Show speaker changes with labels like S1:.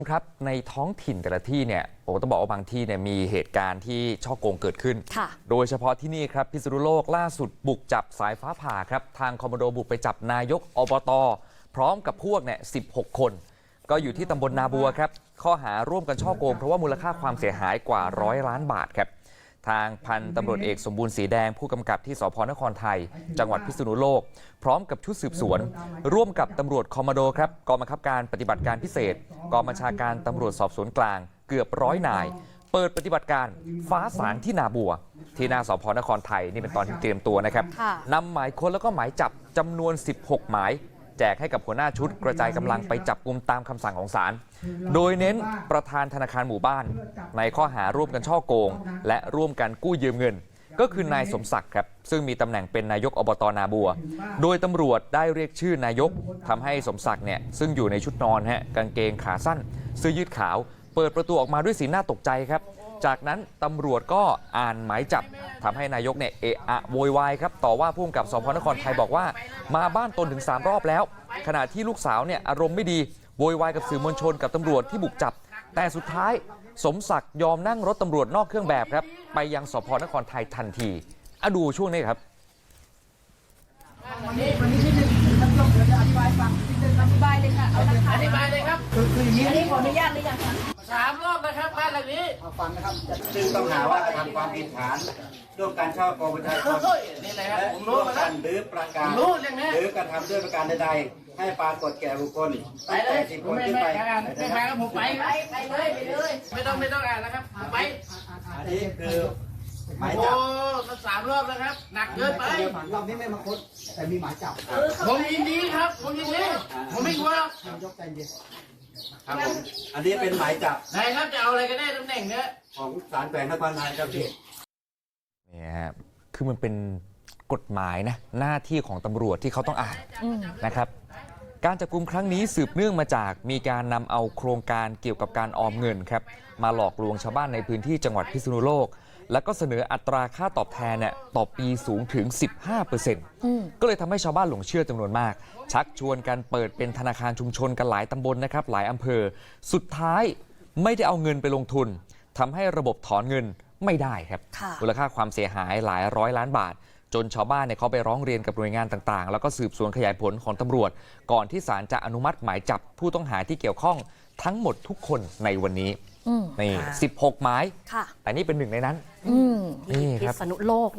S1: ครับในท้องถิ่นแต่ละที่เนี่ยต้องบอกว่าบางที่เนี่ยมีเหตุการณ์ที่ช่อโกงเกิดขึ้นโดยเฉพาะที่นี่ครับพิษณุโลกล่าสุดบุกจับสายฟ้าผ่าครับทางคอมมานโดบุกไปจับนายกอบต.พร้อมกับพวกเนี่ย16 คนก็อยู่ที่ตำบลนาบัวครับข้อหาร่วมกันช่อโกงเพราะว่ามูลค่าความเสียหายกว่า100 ล้านบาทครับทางพันตำรวจเอกสมบูรณ์สีแดงผู้กำกับที่สพนครไทยจังหวัดพิษณุโลกพร้อมกับชุดสืบสวนร่วมกับตำรวจคอมมานโดครับกองบังคับการปฏิบัติการพิเศษกองบัญชาการตำรวจสอบสวนกลางเกือบ100 นายเปิดปฏิบัติการฟ้าสางที่นาบัวที่หน้าสพนครไทยนี่เป็นตอนที่เตรียมตัวนะครับนำหมายค้นแล้วก็หมายจับจำนวน16 หมายแจกให้กับหัวหน้าชุดกระจายกำลังไปจับกุมตามคำสั่งของศาลโดยเน้นประธานธนาคารหมู่บ้านในข้อหาร่วมกันช่อโกงและร่วมกันกู้ยืมเงินก็คือนายสมศักดิ์ครับซึ่งมีตำแหน่งเป็นนายกอบต.นาบัวโดยตำรวจได้เรียกชื่อนายกทำให้สมศักดิ์เนี่ยซึ่งอยู่ในชุดนอนกางเกงขาสั้นเสื้อยืดขาวเปิดประตูออกมาด้วยสีหน้าตกใจครับจากนั้นตำรวจก็อ่านหมายจับทำให้นายกเนี่ยเอะอะโวยวายครับต่อว่าผู้กำกับสพนครไทยบอกว่ามาบ้านตนถึง3 รอบแล้วขณะที่ลูกสาวเนี่ยอารมณ์ไม่ดีโวยวายกับสื่อมวลชนกับตำรวจที่บุกจับแต่สุดท้ายสมศักดิ์ยอมนั่งรถตำรวจนอกเครื่องแบบครับไปยังสพนครไทยทันทีดูช่วงนี้ครับ
S2: วันนี้ที่หนึ่งท่านรองเดี๋ยวจะอธิบายฟังที่หนึ่งอธิบายเลยค่ะเอาละค่ะอธิบายเลยครับคืออย่างนี้อันนี้ขออนุญาตหรือยังคะ3 รอบนะครับบ้านหลังนี้
S3: ฟังนะครับซึ่งต้องหาว่ากระทำความผิดฐานร่วมการช่อโกงประชาชนและร่วมกันหรือประกาศหรือกระทำด้วยประการใดๆให้ปรากฏแก่บุคคลตั้งแต่10 คนขึ้นไป
S2: ไม่พาผมไปเลยไม่ต้องอ่านนะครับไป
S3: อันนี้คือหมายจับ
S2: มัน3 รอบแล้วครับหนักเกินไป
S3: รอบนี้ไม่มาค้นแต่มีหมายจับ
S2: ผมยินดีครับผมยินดีผมไม่กลัว
S3: นายกใจเย็นครับผมอันนี้เป็นหมายจับ
S2: ไหนครับจะเอาอะไรกันแน่ตำแหน่งเนี้ย
S3: ของศาลแขวงนครไทยครับพี่
S1: เนี่ยคือมันเป็นกฎหมายนะหน้าที่ของตำรวจที่เขาต้องอ่านนะครับการจับกุมครั้งนี้สืบเนื่องมาจากมีการนำเอาโครงการเกี่ยวกับการออมเงินครับมาหลอกลวงชาวบ้านในพื้นที่จังหวัดพิษณุโลกแล้วก็เสนออัตราค่าตอบแทนเนี่ยต่อปีสูงถึง 15% ก็เลยทำให้ชาวบ้านหลงเชื่อจำนวนมากชักชวนกันเปิดเป็นธนาคารชุมชนกันหลายตำบลนะครับหลายอำเภอสุดท้ายไม่ได้เอาเงินไปลงทุนทำให้ระบบถอนเงินไม่ได้ครับมูลค่าความเสียหายหลาย100 ล้านบาทจนชาวบ้านเนี่ยเขาไปร้องเรียนกับหน่วยงานต่างๆแล้วก็สืบสวนขยายผลของตำรวจก่อนที่ศาลจะอนุมัติหมายจับผู้ต้องหาที่เกี่ยวข้องทั้งหมดทุกคนในวันนี้นี่16 หมายแต่นี่เป็นหนึ่งในนั้นนี่ครับพิษณุโลก